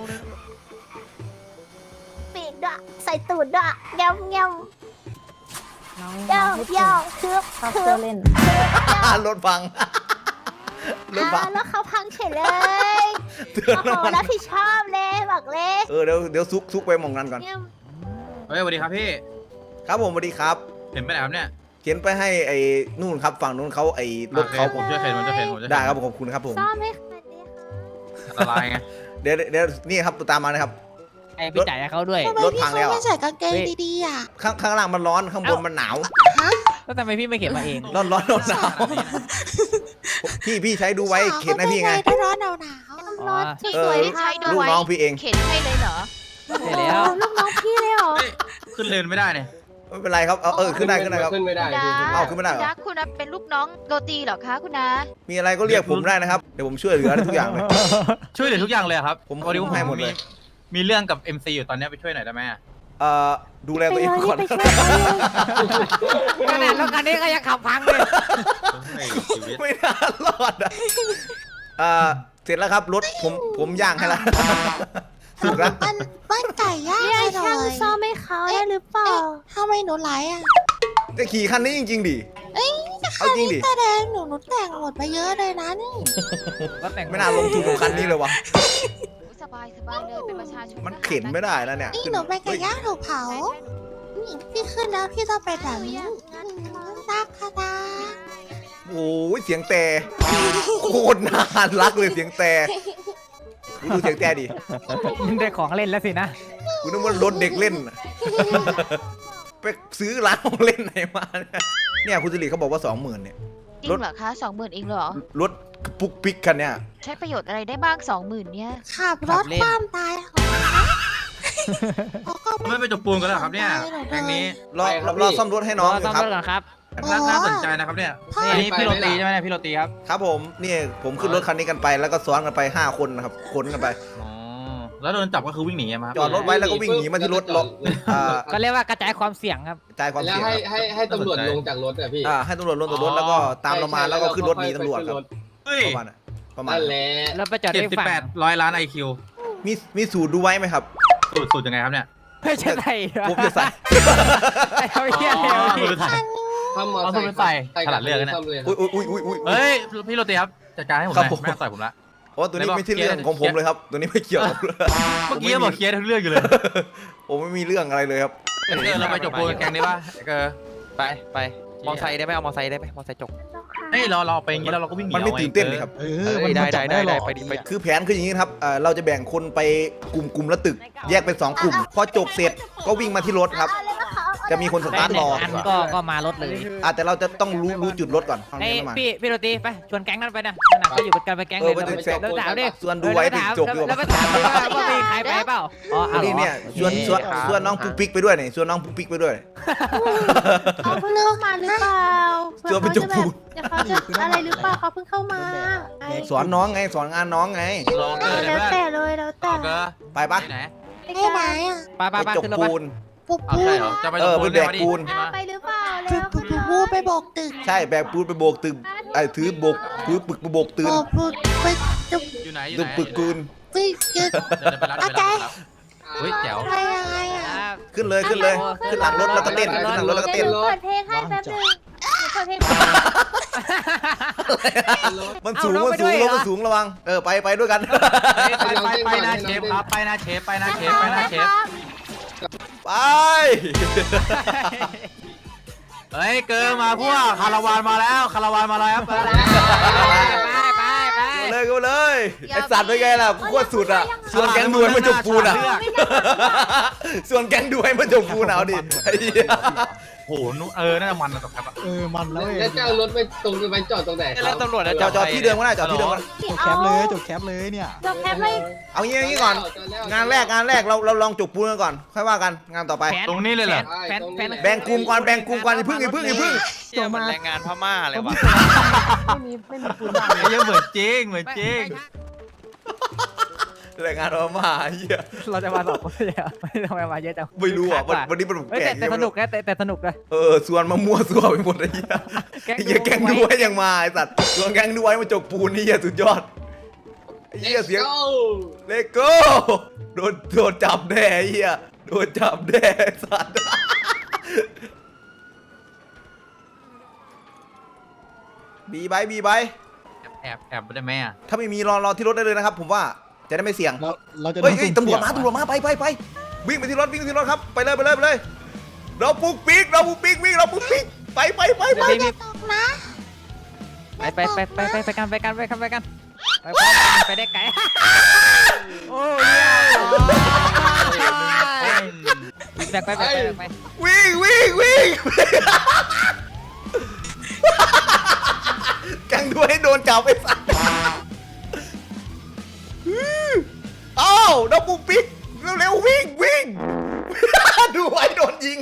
[SPEAKER 7] ปีกด้วยใส่ตูดด้วยเงี้ยเงี้ยเย่าคือเล่น
[SPEAKER 2] รถพังรถพัง
[SPEAKER 7] แล้วเขาพังเฉยเลย
[SPEAKER 2] เตือน
[SPEAKER 7] โอ้
[SPEAKER 2] น้ำ
[SPEAKER 7] โห
[SPEAKER 2] มัน
[SPEAKER 7] รับผิดชอบเลยบอกเลย
[SPEAKER 2] เดี๋ยวซุกไปหมองนั้นก่อน
[SPEAKER 7] เนี่ย
[SPEAKER 9] เฮ้ยสวัสดีครับพี่
[SPEAKER 2] ครับผมสวัสดีครับ
[SPEAKER 9] เห็นไปไหนครับเนี่ย
[SPEAKER 2] เขียนไปให้ไอ้นู่นครับฝั่งนู้นเขาไอ้รถเขา
[SPEAKER 9] ผมช่วยเข็นผมจะเข็น
[SPEAKER 2] ได้ครับผมขอบคุณครับผม
[SPEAKER 7] ซ่อมให้คันนี้ค่ะ
[SPEAKER 9] อันตรายไง
[SPEAKER 2] เดี๋ยวนี่ครับตามมานะครับ
[SPEAKER 3] ไอ้พี่จ่ายให้เขาด้วย
[SPEAKER 2] รถพังแล้วอะ
[SPEAKER 3] ดีๆอ่ะ
[SPEAKER 2] ข้างล่างมันร้อนข้างบนมันหนาว
[SPEAKER 3] แล้วทำไมพี่ไม่เข็นมาเอง
[SPEAKER 2] ร้อนหนาวพี่ใช้ดูไว้เข็นให้พี่ไง
[SPEAKER 7] รถสวย
[SPEAKER 6] ที่
[SPEAKER 7] ๆ
[SPEAKER 6] ใช้ดู
[SPEAKER 2] ลูก
[SPEAKER 6] ไว้
[SPEAKER 2] น้องพี่เอง
[SPEAKER 6] เข็นให้เลยเหรอ
[SPEAKER 3] ใช่แล้ว
[SPEAKER 7] ลูกน้องพี่เลยเหรอ
[SPEAKER 9] เฮ้ยขึ้นเลนไม่ได้เนี่ย
[SPEAKER 2] ไม่เป็นไรครับขึ้นได้ครับ
[SPEAKER 4] ขึ้นไม่ได้
[SPEAKER 6] คุณ
[SPEAKER 2] เอาขึ้นไม่ได้เหรอ
[SPEAKER 6] คุณคุณเป็นลูกน้องโรตีเหรอคะคุณนา
[SPEAKER 2] มีอะไรก็เรียกผมได้นะครับเดี๋ยวผมช่วยเหลือทุกอย่างเลย
[SPEAKER 9] ช่วยเหลือทุกอย่างเลยครับ
[SPEAKER 2] ผม
[SPEAKER 9] พอดีว่า
[SPEAKER 2] ให้หมดเลย
[SPEAKER 9] มีเรื่องกับ MC อยู่ตอนนี้ไปช่วยหน่อยได้ไหมอะ
[SPEAKER 2] ดูแลตัวเองก่อน
[SPEAKER 7] ไปช่วยเขาเลย
[SPEAKER 3] ขนาดรถคันนี้ก็ยังขับพังเลย
[SPEAKER 9] เฮ้ยชีวิต
[SPEAKER 2] ไม่น่ารอดเสร็จแล้วครับรถผมย่างให้แล้วสุกแล้ว
[SPEAKER 7] บ้านไก่ย่างเนี่ยช่างซ่อมให้เขาได้หรือเปล่าทำไมหนูไหลอ่ะ
[SPEAKER 2] จะขี่คันนี้จริงๆดิเอาจริงดิ
[SPEAKER 7] แต่แดงหนูแต่งหมดไปเยอะเลยนะนี่
[SPEAKER 2] ไม่น่าลงทุนกับคันนี้เลยวะ
[SPEAKER 6] สบายเลยเป็นประชาชน
[SPEAKER 2] มันเข็นไม่ได้แล้วเนี่ย
[SPEAKER 7] นี่หนูไปไก่ย่างถูกเผาพี่ขึ้นแล้วพี่ต้องไปแบบนี้รักค่ะตา
[SPEAKER 2] โอ้ยเสียงแต่โคตรน่ารักเลยเสียงแต่ดูเสียงแต่ดิ
[SPEAKER 3] มันได้ของเล่นแล้วสินะ
[SPEAKER 2] กูนึกว่ารถเด็กเล่นไปซื้อร้านของเล่นไหนมาเนี่ยคุณสิริเขาบอกว่า 20,000เนี่ย
[SPEAKER 6] จริงเหรอคะ20,000เองเหรอ
[SPEAKER 2] รถปุกปิกคันเนี่ย
[SPEAKER 6] ใช้ประโยชน์อะไรได้บ้าง20,000เนี่ย
[SPEAKER 7] ขับรถคว่ำตาย
[SPEAKER 9] ไม่ไปจบปูนกันแล้วครับเนี่ยแก๊งนี้
[SPEAKER 2] รอซ่อมรถให้น้องอยู่ครับ
[SPEAKER 3] ครับ
[SPEAKER 9] น่าสนใจนะครับเนี่ยนี่พี่โรตีใช่ไหมเนี่ยพี่โรตีครับ
[SPEAKER 2] ครับผมนี่ผมขึ้นรถคันนี้กันไปแล้วก็ซ้อนกันไป5 คนนะครับขนกันไป
[SPEAKER 9] อ๋อแล้วโดนจับก็คือวิ่งหนีมาครับ
[SPEAKER 2] จอดรถไว้แล้วก็วิ่งหนีมาที่รถล็อก
[SPEAKER 3] ก็เรียกว่ากระจายความเสี่ยงครับ
[SPEAKER 2] จ่ายความ
[SPEAKER 4] แล้ว
[SPEAKER 2] เสี่ยง
[SPEAKER 4] ให้ตำรวจลงจากรถอ่ะพี่
[SPEAKER 2] ให้ตำรวจลงจากรถแล้วก็ตามเรามาแล้วก็ขึ้นรถหนีตำรวจครับ
[SPEAKER 9] เฮ้ย
[SPEAKER 2] ประมาณ
[SPEAKER 4] นั่นแหละ
[SPEAKER 3] แล้วไปจอดได้ฝั่ง
[SPEAKER 9] 78 ล้าน IQ
[SPEAKER 2] มีสูตรดูไว้ไหมครับ
[SPEAKER 9] สูตรยังไงครับเนี่ย
[SPEAKER 3] ไม่ใช่ไทย
[SPEAKER 2] ผมจะใส่
[SPEAKER 3] ไอ้เหี้ย
[SPEAKER 9] สูตรไทย
[SPEAKER 4] ถ้ามอ
[SPEAKER 9] เอา
[SPEAKER 4] ไซ
[SPEAKER 9] ตัว
[SPEAKER 4] ค์
[SPEAKER 9] ไปใส่ฉลาดเลือกนะ
[SPEAKER 4] ซ่มเลย
[SPEAKER 2] อุ้ย
[SPEAKER 9] เฮ้ยพี่โรตีครับจัดการให้ผมห
[SPEAKER 2] ครั
[SPEAKER 9] น่
[SPEAKER 2] บ
[SPEAKER 9] อย
[SPEAKER 2] ผม
[SPEAKER 9] ไม่ต่อยผมละ
[SPEAKER 2] โอ้ตัวนี้ไม่ใช่เรื่องของผมเลยครับ ตัวนี้ไม่เกี่ยวกับ
[SPEAKER 9] เมื่อกี้บอกเคลียร์ทุกเรื่องอยู่เลย
[SPEAKER 2] ผมไม่มีเรื่องอะไรเลยครับ
[SPEAKER 9] เราไปจบปูนแก๊งนี้ป่ะ
[SPEAKER 3] ไปมอไซค์ได้ไหมเอามอไซค์ได้ไหมมอไซค์จก
[SPEAKER 9] เฮ้ยเราไปอย่างนี้เราก็วิ่งหนี
[SPEAKER 2] มันไม่ตื่นเต้นเลยครับ
[SPEAKER 3] ได้ไปดี
[SPEAKER 2] คือแผนคืออย่างนี้ครับเราจะแบ่งคนไปกลุ่มละตึก แยกเป็น2 กลุ่ม พอจบเสร็จก็วิ่งมาที่รถครับ จะมีคนสตาร์ทรอ
[SPEAKER 3] อันก็มารถเลย
[SPEAKER 2] แต่เราจะต้องรู้จุดรถก่อน
[SPEAKER 3] ไอ้พี่โรตีไปชวนแก๊งนั้นไปนะก็อยู่กันไปแก๊งเลยแล้วถามดิ
[SPEAKER 2] ส่วนดูไว้ถึงจบอยู่
[SPEAKER 3] แล้วไปถามดิว่ามีใครไปเปล่าอ๋อ
[SPEAKER 2] นี่เนี่ยชวนน้องปุ๊กปิ๊กไปด้วยนี่ชวนน้องปุ๊กปิ๊กไปด้วย
[SPEAKER 7] เขาเพิ่งเข้ามาหรือเปล่า
[SPEAKER 2] เจอไปจบปูน
[SPEAKER 7] เดี๋ยวเขาจะอะไรหรือเปล่าเขาเพิ่งเข้ามา
[SPEAKER 2] สอนน้องไงสอนงานน้องไง
[SPEAKER 9] รอเกินเลย
[SPEAKER 7] แล้ว
[SPEAKER 9] เพื่อน
[SPEAKER 7] แต่เลยแล้วแต่
[SPEAKER 9] เอาเกิน
[SPEAKER 2] ไปปะ
[SPEAKER 9] ที่ไหน
[SPEAKER 7] ไปไหนอ่ะ
[SPEAKER 3] ไป
[SPEAKER 2] ไปจบ
[SPEAKER 3] ขึ้นรถ
[SPEAKER 2] ปูน
[SPEAKER 7] ปุ๊บ
[SPEAKER 9] เอา
[SPEAKER 7] ปุ๊
[SPEAKER 9] ใช่
[SPEAKER 7] บ
[SPEAKER 9] เหรอจะไป
[SPEAKER 2] เอ
[SPEAKER 9] จ
[SPEAKER 2] อบ
[SPEAKER 9] ปูน
[SPEAKER 2] ไปแบกปูน
[SPEAKER 7] ไปหรือเปล่าแล้วปุ๊บปุ๊บไปบอกตึก
[SPEAKER 2] ใช่แบกปูนไปโบกตึกถือโบกถือปึกไปโบกตื่น
[SPEAKER 7] บอกปุ๊บไปจุบ
[SPEAKER 9] อยู่ไหนอยู่
[SPEAKER 2] ตึ
[SPEAKER 9] ไห
[SPEAKER 2] ก
[SPEAKER 9] น
[SPEAKER 2] ปึกปูน
[SPEAKER 7] ไปเกิด
[SPEAKER 9] เดี๋ยวไปรับเดี๋ยวไปรับเฮ้ยแจ๋ว
[SPEAKER 7] อะไรยังไงอ่ะ
[SPEAKER 2] ขึ้นเลยขึ้นหลังรถแล้วก็เต้นขึ้นหลังรถแล้วก็เต้น
[SPEAKER 7] เปิดเพลงให้แป๊บนึงเปิดเพลง
[SPEAKER 2] มันสูงรถมันสูงระวังไปด้วยกัน
[SPEAKER 9] ไปนะเชฟครับไปนะเชฟไปนะเชฟไปนะเชฟ
[SPEAKER 2] ไป
[SPEAKER 9] เฮ้ยเกินมาพวกคาราวานมาแล้วคาราวานมาแล้วไป
[SPEAKER 2] เลยก็เลยไอสัตว์เป็นไงล่ะกูโคตรสุดอ่ะส่วนแก๊งดูให้มันจบปูนอ่ะส่วนแก๊งดูให้มันจบปูนเอาดิไอ้เหี้ย
[SPEAKER 9] โหนุน่าจะมันนะตกครับ
[SPEAKER 1] มันแล้ว
[SPEAKER 4] แล้วเจ้ารถไปตรงไปจอดตรงไหนครับ
[SPEAKER 3] แล้วตำรวจ
[SPEAKER 2] จอดที่เดิมก็ได้จอดที่เดิมก็ได้
[SPEAKER 1] จบแคปเลยจบแคปเลยเนี่ย
[SPEAKER 7] จบแคปเลย
[SPEAKER 2] เอางี้ก่อนงานแรกเราลองจบปูนกันก่อนค่อยว่ากันงานต่อไป
[SPEAKER 9] ตรงนี้เลยเหรอ
[SPEAKER 2] แบ่งกลุ่มก่อนอย่าเพิ่ง
[SPEAKER 3] เดี๋ยวมันแรงงานพม่าเลยวะ
[SPEAKER 1] ไม่มีปูนบ้าง
[SPEAKER 9] ไอ้ยังเหมือนจริงเหมือนจริง
[SPEAKER 2] แรงงานเรามาเหี้ย
[SPEAKER 3] เราจะมาสอบคนเดียวไม่ทำไมมาเยอะจัง
[SPEAKER 2] ไม่รู้อ่ะวันนี้มันแปลก
[SPEAKER 3] แต่สนุกนะแต่สนุกนะ
[SPEAKER 2] ส่วนมามั่วซั่วไปหมดไอ้เหี้ยไอ้เหี้ยแก๊งดูไว้ยังมาไอ้สัตว์ส่วนแก๊งดูไว้มาจกปูนนี่เหี้ยสุดยอดไอ้เหี้ยเสียงเลโก้โดนจับแน่ไอ้เหี้ยโดนจับแน่ไอ้สัตว์บีไบ
[SPEAKER 9] แอบได้ไหมอ่ะ
[SPEAKER 2] ถ้าไม่มีรอที่รถได้เลยนะครับผมว่าจะได้ไม่เสี่ยง
[SPEAKER 1] เราจะ
[SPEAKER 2] เฮ้ยตำรวจมาไปวิ่งไปที่รถครับไปเลยเราปุ๊กปิ๊กไป
[SPEAKER 7] ตกนะ
[SPEAKER 3] ไปกันไปได้ไกลโอ้ยแบกไป
[SPEAKER 2] วิ่งกังด้วยให้โดนจับไอ้สัสอ้าวเราปุ๊กปิ๊กเร็ววิ่งดูไว้โดนยิง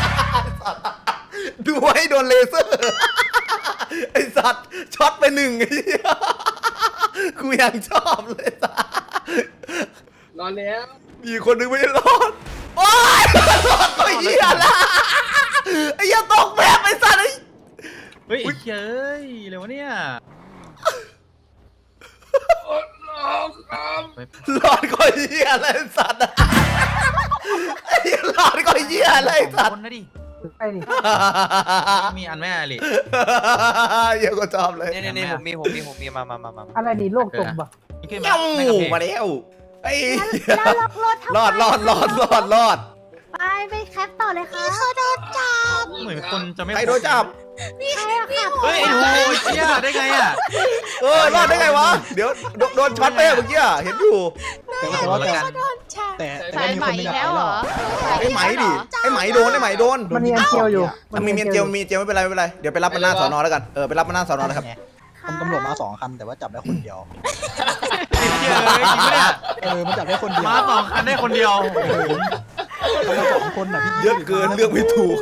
[SPEAKER 2] ดูไว้โดนเลเซอร์ไอ้สัตว์ช็อตไป1ไอ้เหี้ยกูยังชอบเลยสัส
[SPEAKER 4] นอนแล้ว
[SPEAKER 2] มีคนนึงไม่รอดโอ๊ยรอดก็เหี้ยละไอ้เหี้ยตกแบบไอ้สัตว์ไอ้
[SPEAKER 9] เฮ้ยเฮ้ยเร็วเนี่ย
[SPEAKER 2] รอดก็เหี้ยอะไรสัตว์ไอ้เหี้ยรอดก็เหี้ยอะไรสัต
[SPEAKER 9] ค
[SPEAKER 2] ว์
[SPEAKER 9] นนะดิ
[SPEAKER 1] ไอ้นี่
[SPEAKER 9] มีอันแม่ลิ
[SPEAKER 2] เหี้ยก็ชอบเลย
[SPEAKER 3] นี่ผมมีมา
[SPEAKER 1] อะไรนี่โลกจมปะ
[SPEAKER 9] ขึ้น
[SPEAKER 2] เอ้า
[SPEAKER 9] มา
[SPEAKER 2] มาแล้วไอ้
[SPEAKER 7] แล้วล็อกรถทำไม
[SPEAKER 2] รอด
[SPEAKER 7] ไปแคปต่อเลยค่ะเขาโดนจับ
[SPEAKER 9] เหมือนคนจะไม่
[SPEAKER 2] ใครโดนจับ
[SPEAKER 7] ใครอะค่ะ
[SPEAKER 9] เฮ้ยโอ้ยเชี่ยได้ไงอ่ะ
[SPEAKER 2] รอดได้ไงวะเดี๋ยวโดนช็อตไปเมื่อกี้เห็นอยู่
[SPEAKER 1] แต่ว่า
[SPEAKER 7] โดนจับ
[SPEAKER 1] แต่
[SPEAKER 6] สาย
[SPEAKER 1] มี
[SPEAKER 6] ไหม
[SPEAKER 1] คนหนึง
[SPEAKER 6] อีก
[SPEAKER 1] อะ
[SPEAKER 6] แล้วเหรอ
[SPEAKER 2] ไอ้ไหมดิไอ้ไหมโดนไอ้ไหมโดน
[SPEAKER 1] โด
[SPEAKER 2] มัน
[SPEAKER 1] น
[SPEAKER 2] มี
[SPEAKER 1] ยิง
[SPEAKER 2] เจียว
[SPEAKER 1] อยู่
[SPEAKER 2] มีเมียนเจียวมีเจียวไม่เป็นไรไม่เป็นไรเดี๋ยวไปรับมันหน้าสอนอแล้วกันไปรับมันหน้าสอนอเลยครับ
[SPEAKER 1] ตำรวจมา2 คันแต่ว่าจับได้คนเดียว
[SPEAKER 9] เหี้ยเลยจริงปะเนี่ย
[SPEAKER 1] มันจับได้คนเดียว
[SPEAKER 9] มา2 คันได้คนเดียว
[SPEAKER 1] เขามา2 คนน่ะพี่
[SPEAKER 2] เยอะเกินเลือกไม่ถูก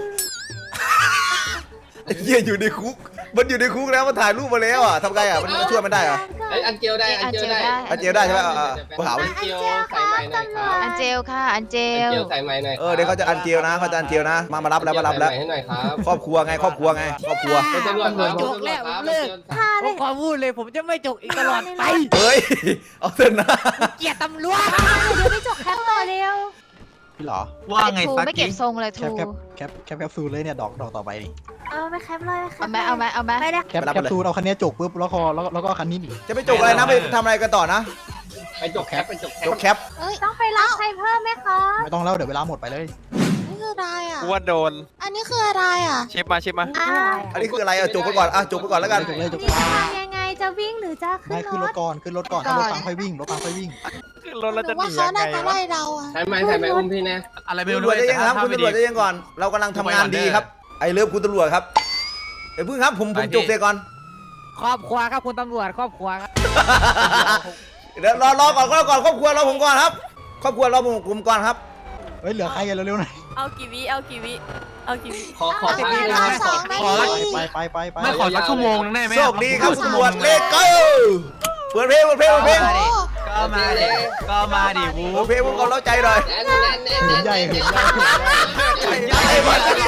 [SPEAKER 2] ไอ้เหี้ยอยู่ในคุกมันอยู่ในคุกแล้วมันถ่ายรูปมาแล้วอ่ะทำไงอ่ะมันช่วยมันได้เหรอ
[SPEAKER 4] ไอ้อันเจลได้อันเจลได้
[SPEAKER 2] อันเจียวได้ใช่ไหมกูหา
[SPEAKER 4] อันเจลใส่ใหม่หน่อยครับ
[SPEAKER 6] อันเจลค่ะอันเจ
[SPEAKER 4] อัน
[SPEAKER 6] ล
[SPEAKER 4] เจลใส่ใหม่หน่อย
[SPEAKER 2] เดี๋ยวเขาจะอันเจียวนะเขาจะอันเจียวนะมารับแล้วมารับแล้ว
[SPEAKER 4] ให้หน่อยครับ
[SPEAKER 2] ครอบครัวไงครอบครัวไงครอบครัว
[SPEAKER 4] เป็นตำรวจครับ
[SPEAKER 3] จกแล้วผมเลิกผมขอพูดเลยผมจะไม่จกอีกตลอดไป
[SPEAKER 2] เฮ้ยเอาเถอะนะ
[SPEAKER 3] เกลียดตำรวจ
[SPEAKER 7] เดี๋ยวไปจบแคปต่อเร็ว
[SPEAKER 1] พี่หรอ
[SPEAKER 9] ว่าไง
[SPEAKER 6] ทู
[SPEAKER 9] สัก
[SPEAKER 6] ไม่เก็
[SPEAKER 9] ที
[SPEAKER 6] บทรงเลย
[SPEAKER 1] แค
[SPEAKER 6] ทู
[SPEAKER 1] ปแคปซูลเลยเนี่ยดอกต่อไปนี่
[SPEAKER 7] ไปแคปเลยแคป
[SPEAKER 6] เอาไหมเอาไหม
[SPEAKER 7] ไปเลย
[SPEAKER 1] แคปซูลเอาคันนี้จกปุ๊บแล้วก็คันนี้หนี
[SPEAKER 2] จะไปจกอะไรนะไปทำอะไรกันต่อนะ
[SPEAKER 4] ไปจกแคปไปจกแค
[SPEAKER 2] จ
[SPEAKER 4] ป
[SPEAKER 2] กแคป
[SPEAKER 7] ต้องไปรับใครเพิ่มไหมคะ
[SPEAKER 1] ไม่ต้องแล้วเดี๋ยวเวลาหมดไปเลย
[SPEAKER 8] นี่คืออะไรอ่ะ
[SPEAKER 5] ว่าโดน
[SPEAKER 8] อันนี้คืออะไรอ่ะ
[SPEAKER 5] เชฟมาเชฟมา
[SPEAKER 2] อันนี้คืออะไรจกไปก่อนจกไปก่อนแล้วกัน
[SPEAKER 1] จกเลยจก
[SPEAKER 7] นี่จะทำยังไงจะวิ่งหรือจะขึ้
[SPEAKER 1] ไม่
[SPEAKER 7] น
[SPEAKER 1] ขึ้น
[SPEAKER 7] ร
[SPEAKER 1] ร
[SPEAKER 7] ถ
[SPEAKER 1] ถก่อนขึ้นรถก่อนถ้ารถพังค่อยวิ่งรถพังค่อยวิ่ง
[SPEAKER 5] ขึ้นรถแล้ว
[SPEAKER 8] หรื
[SPEAKER 5] จะ
[SPEAKER 8] อ
[SPEAKER 5] ห
[SPEAKER 8] ว่า
[SPEAKER 5] นี
[SPEAKER 8] เขา
[SPEAKER 5] ยังไง
[SPEAKER 8] น่าจะ
[SPEAKER 5] วะ
[SPEAKER 8] ไล่เราอ่ะ
[SPEAKER 4] ใส่ใหม่อุ้มพี่นะ
[SPEAKER 9] อะไรไม่
[SPEAKER 2] ตำร
[SPEAKER 9] รู้
[SPEAKER 2] วจจะยังครับ
[SPEAKER 9] แต่
[SPEAKER 2] คุณตำรวจจะยังก่อนเรากำลังทำงานดีครับไอ้เลิฟคุณตำรวจครับเดี๋ยวพึ่งครับผมจกเสียก่อน
[SPEAKER 3] ครอบครัวครับคุณตำรวจครอบครัวครับ
[SPEAKER 2] เดี๋ยวรอก่อนครอบครัวรอผมก่อนครับครอบครัวรอผมก่อนครับ
[SPEAKER 1] เฮ้ยเหลือใครกันเร็วๆหน่อย
[SPEAKER 8] เอากี่วิเอากี่วิเอากี่วิ
[SPEAKER 4] ขอ
[SPEAKER 8] เอา
[SPEAKER 4] พัก
[SPEAKER 8] กี่
[SPEAKER 4] นิ
[SPEAKER 8] วิ
[SPEAKER 4] ดนึง
[SPEAKER 8] เอา
[SPEAKER 4] นะ
[SPEAKER 8] สองนา
[SPEAKER 9] ขอ
[SPEAKER 8] ที
[SPEAKER 1] ไป
[SPEAKER 9] ไม่ขอสักชั่วโมงนึงได้ไหม
[SPEAKER 2] โชคดีครับคุณตำรวจเลขเก้าเปิดเพลง
[SPEAKER 8] โอ้
[SPEAKER 9] ก็มาดิก็มาดิวู
[SPEAKER 2] เปิดเพลงผมก็เล่าใจหน่อย
[SPEAKER 4] แน่น
[SPEAKER 1] เห็นใหญ่เห็นใหญ่
[SPEAKER 2] ไอ้บ้านนี้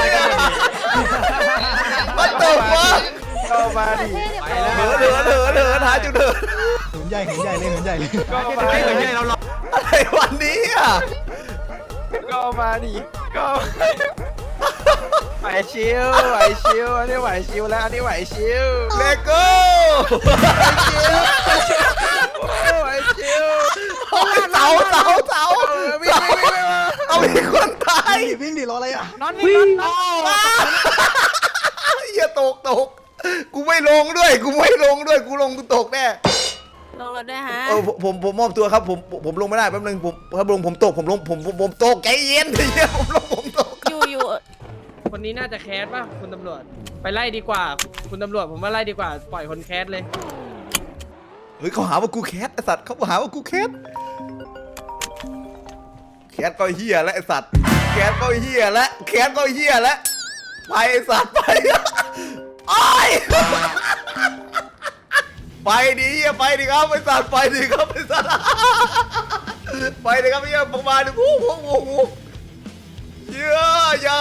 [SPEAKER 2] มันตกวะ
[SPEAKER 5] ก็มาดิ
[SPEAKER 2] เหลือหาจุดเถิด
[SPEAKER 1] เห็นใหญ่เลยเห็นใหญ่เลย
[SPEAKER 5] ก็มา
[SPEAKER 9] ไม่เหมือน
[SPEAKER 5] ดิ
[SPEAKER 9] ที่เราลอง
[SPEAKER 2] อะไรวันนี้อ่ะ
[SPEAKER 5] ก็มาดิก็ไหวชิวไหวชิวอันนี้ไหวชิวแล้วอันนี้ไหวชิว
[SPEAKER 2] เลโก้
[SPEAKER 5] ไหวชิว
[SPEAKER 2] เสาเอามีคนตาย
[SPEAKER 1] วิ่งดิรออะไรอ่ะ
[SPEAKER 3] นอนวิ่งนอน
[SPEAKER 2] อย่าตกกูไม่ลงด้วยกูลงกูตกแน่
[SPEAKER 8] ลงรถด้วยฮะ
[SPEAKER 2] ผมมอบตัวครับผมลงไม่ได้แป๊บนึงผมตกผมตกใจเย็นเดี๋ยวผมตก
[SPEAKER 8] อยู่
[SPEAKER 10] คนนี้น่าจะแคสป่ะคุณตำรวจไปไล่ดีกว่า คุณตำรวจผมว่าไล่ดีกว่าปล่อยคนแคสเลย
[SPEAKER 2] เฮ้ยเขาหาว่ากูแคสไอสัตว์เขาหาว่ากูแคสก็เฮียแล้วไอสัตว์แคสก็เฮียแล้วไปไอสัตว์ไปโอ้ยไปดิครับไอสัตว์ไปดิครับไอสัตว์ไปดิครับเฮียประมาณนี้เยอะอย่า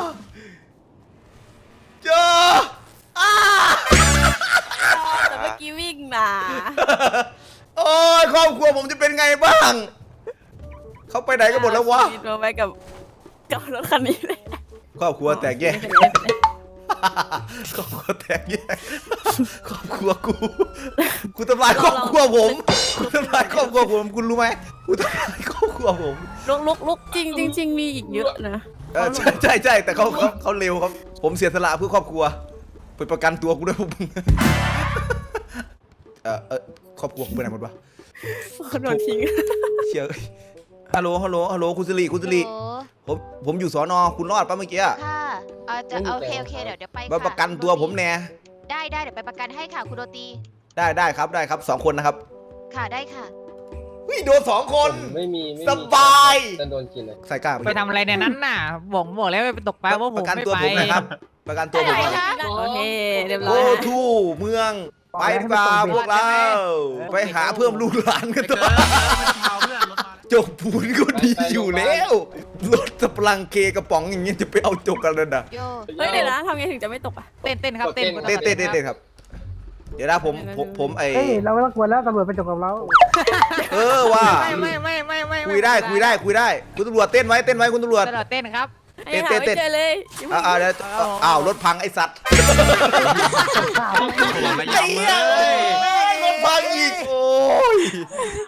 [SPEAKER 8] แต่เมื่อกี้วิ่งมา
[SPEAKER 2] โอ้ยครอบครัวผมจะเป็นไงบ้างเขาไปไหนกันหมดแล้ววะ
[SPEAKER 8] ชีตไปกับรถคันนี้เลย
[SPEAKER 2] ครอบครัวแตกแยกครอบครัวแตกแยกครอบครัวกูทำลายครอบครัวผมคุณรู้ไหมกูทำลายครอบครัวผม
[SPEAKER 8] ลุกจริงมีอีกเยอะนะ
[SPEAKER 2] ใช่แต่เขาเร็วครับผมเสียสละเพื่อครอบครัวไปประกันตัวกูด้วยพวกมึงครอบครัวกูไปไหนหมดวะ
[SPEAKER 8] คนโดนทิ้ง
[SPEAKER 2] เชี่ยฮัลโหลคุณสิริผมอยู่สอนอคุณรอดปะเมื่อกี้
[SPEAKER 6] ค่ะโอเคเดี๋ยวไป
[SPEAKER 2] มาประกันตัวผมแน่
[SPEAKER 6] ได้เดี๋ยวไปประกันให้ค่ะคุณโรตี
[SPEAKER 2] ได้ครับ2 คนนะครับ
[SPEAKER 6] ค่ะได้ค่ะ
[SPEAKER 2] โดน2 คน
[SPEAKER 4] ไม่มี
[SPEAKER 2] สบาย
[SPEAKER 4] จะโดนกินเลย
[SPEAKER 2] ใส่กล้า
[SPEAKER 3] ไปทำอะไรในนั้นน่ะบอกแล้วไปตกปลาว่าผม
[SPEAKER 2] ประกัน
[SPEAKER 3] ไม่
[SPEAKER 2] ตัว
[SPEAKER 3] ไป
[SPEAKER 2] ผมนะครับประกันตัวผม
[SPEAKER 6] ไหน
[SPEAKER 2] ครับ
[SPEAKER 6] คะ
[SPEAKER 8] โอเคเรียบร้
[SPEAKER 2] โอ้
[SPEAKER 8] อย
[SPEAKER 2] ทู่เมืองไปดีกว่าพวกเราไปหาเพิ่มลูกหลานกันต่อ จกปูนก็ดีอยู่แล้วรถสปลังเคกระป๋องอย่างเงี้ยจะไปเอาจกกันเลยนะ
[SPEAKER 6] โย
[SPEAKER 8] เฮ้ยเดี๋ยวนะทำไงถึงจะไม่ตกอ่ะ
[SPEAKER 3] เต้นครับเต้น
[SPEAKER 2] เต้นครับ เดี๋ยวนะผมไอ
[SPEAKER 1] เฮ้ยเราไม่ต้องกลัวแล้วตำรวจไปจบกับเรา
[SPEAKER 2] ว่า
[SPEAKER 3] ไม่
[SPEAKER 2] คุยได้คุณตำรวจเต้นไว้คุณตำรวจ
[SPEAKER 3] ตลอดเต้นครับ
[SPEAKER 8] ไอ้หาไม่เจอเลย
[SPEAKER 2] เดี๋ยวอ้าวรถพังไอสัตว์ไอ้เหี้ยรถพังอีกโอ้ย